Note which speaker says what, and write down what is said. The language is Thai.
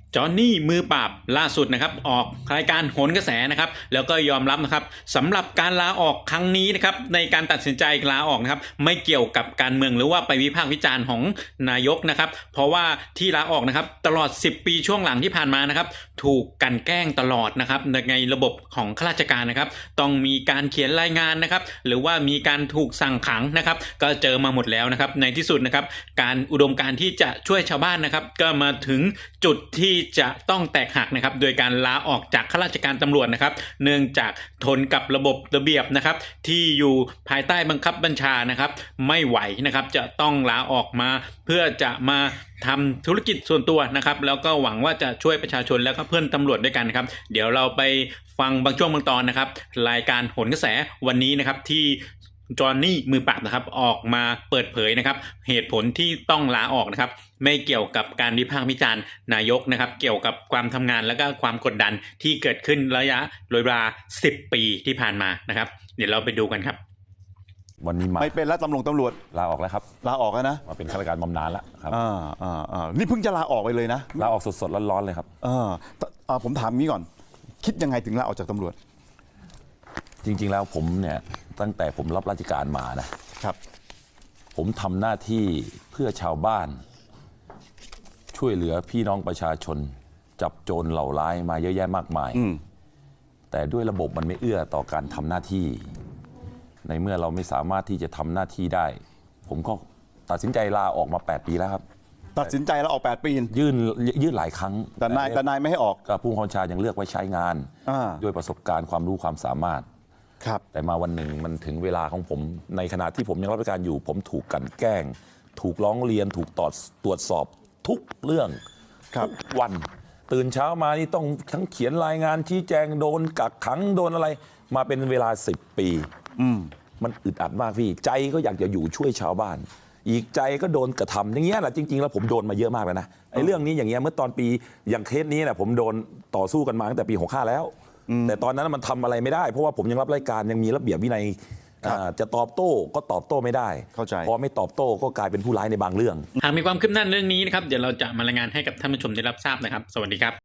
Speaker 1: จอห์นนี่มือปราบล่าสุดนะครับออกรายการโหนกระแสนะครับแล้วก็ยอมรับนะครับสำหรับการลาออกครั้งนี้นะครับในการตัดสินใจลาออกนะครับไม่เกี่ยวกับการเมืองหรือว่าไปวิพากษ์วิจารณ์ของนายกนะครับเพราะว่าที่ลาออกนะครับตลอด10ปีช่วงหลังที่ผ่านมานะครับถูกกันแกล้งตลอดนะครับในระบบของข้าราชการนะครับต้องมีการเขียนรายงานนะครับหรือว่ามีการถูกสั่งขังนะครับก็เจอมาหมดแล้วนะครับในที่สุดนะครับการอุดมการณ์ที่จะช่วยชาวบ้านนะครับก็มาถึงจุดที่จะต้องแตกหักนะครับโดยการลาออกจากข้าราชการตำรวจนะครับเนื่องจากทนกับระบบระเบียบนะครับที่อยู่ภายใต้บังคับบัญชานะครับไม่ไหวนะครับจะต้องลาออกมาเพื่อจะมาทำธุรกิจส่วนตัวนะครับแล้วก็หวังว่าจะช่วยประชาชนแล้วก็เพื่อนตำรวจด้วยกันนะครับเดี๋ยวเราไปฟังบางช่วงบางตอนนะครับรายการโหนกระแสวันนี้นะครับที่จอห์นนี่มือปราบนะครับออกมาเปิดเผยนะครับเหตุผลที่ต้องลาออกนะครับไม่เกี่ยวกับการวิพากษ์วิจารณ์นายกนะครับเกี่ยวกับความทำงานและก็ความกดดันที่เกิดขึ้นระยะเวลา10 ปีที่ผ่านมานะครับเดี๋ยวเราไปดูกันครับ
Speaker 2: วันนี้
Speaker 3: ไม่เป็นแล้วตำรวจ
Speaker 2: ลาออกแล้วครับ
Speaker 3: ลาออกแล้วนะ
Speaker 2: มาเป็นข้าราชการบำนาญแล้วครับ
Speaker 3: นี่เพิ่งจะลาออกไปเลยนะ
Speaker 2: ลาออกสดๆร้อนๆเลยครับ
Speaker 3: ผมถามงี้ก่อนคิดยังไงถึงลาออกจากตำรวจ
Speaker 2: จริงๆแล้วผมเนี่ยตั้งแต่ผมรับราชการมานะครับผมทำหน้าที่เพื่อชาวบ้านช่วยเหลือพี่น้องประชาชนจับโจรเหล่าร้ายมาเยอะแยะมากมายแต่ด้วยระบบมันไม่เอื้อต่อการทำหน้าที่ในเมื่อเราไม่สามารถที่จะทำหน้าที่ได้ผมก็ตัดสินใจลาออกมา8 ปีแล้วครับ
Speaker 3: ตัดสินใจแล้วออก8 ปี
Speaker 2: ยื่นหลายครั้ง
Speaker 3: แต่นายไม่ให้ออก
Speaker 2: ก็ผู้บัญชายังเลือกไว้ใช้งานด้วยประสบการณ์ความรู้ความสามารถแต่มาวันหนึ่งมันถึงเวลาของผมในขณะที่ผมยังรับราชการอยู่ผมถูกกลั่นแกล้งถูกร้องเรียนถูกตรวจสอบทุกเรื่องทุกวันตื่นเช้ามานี่ต้องทั้งเขียนรายงานชี้แจงโดนกักขังโดนอะไรมาเป็นเวลา10 ปีมันอึดอัดมากพี่ใจก็อยากจะอยู่ช่วยชาวบ้านอีกใจก็โดนกระทำอย่างเงี้ยแหละจริงๆแล้วผมโดนมาเยอะมากเลยนะไอ้เรื่องนี้อย่างเงี้ยเมื่อตอนปีอย่างเคสนี้นะผมโดนต่อสู้กันมาตั้งแต่ปี65แล้วแต่ตอนนั้นมันทำอะไรไม่ได้เพราะว่าผมยังรับรายการยังมีระเบียบวินัยจะตอบโต้ก็ตอบโต้ไม่ได้พอไม่ตอบโต้ก็กลายเป็นผู้ร้ายในบางเรื่อง
Speaker 1: หากมีความคืบหน้าเรื่องนี้นะครับเดี๋ยวเราจะมารายงานให้กับท่านผู้ชมได้รับทราบนะครับสวัสดีครับ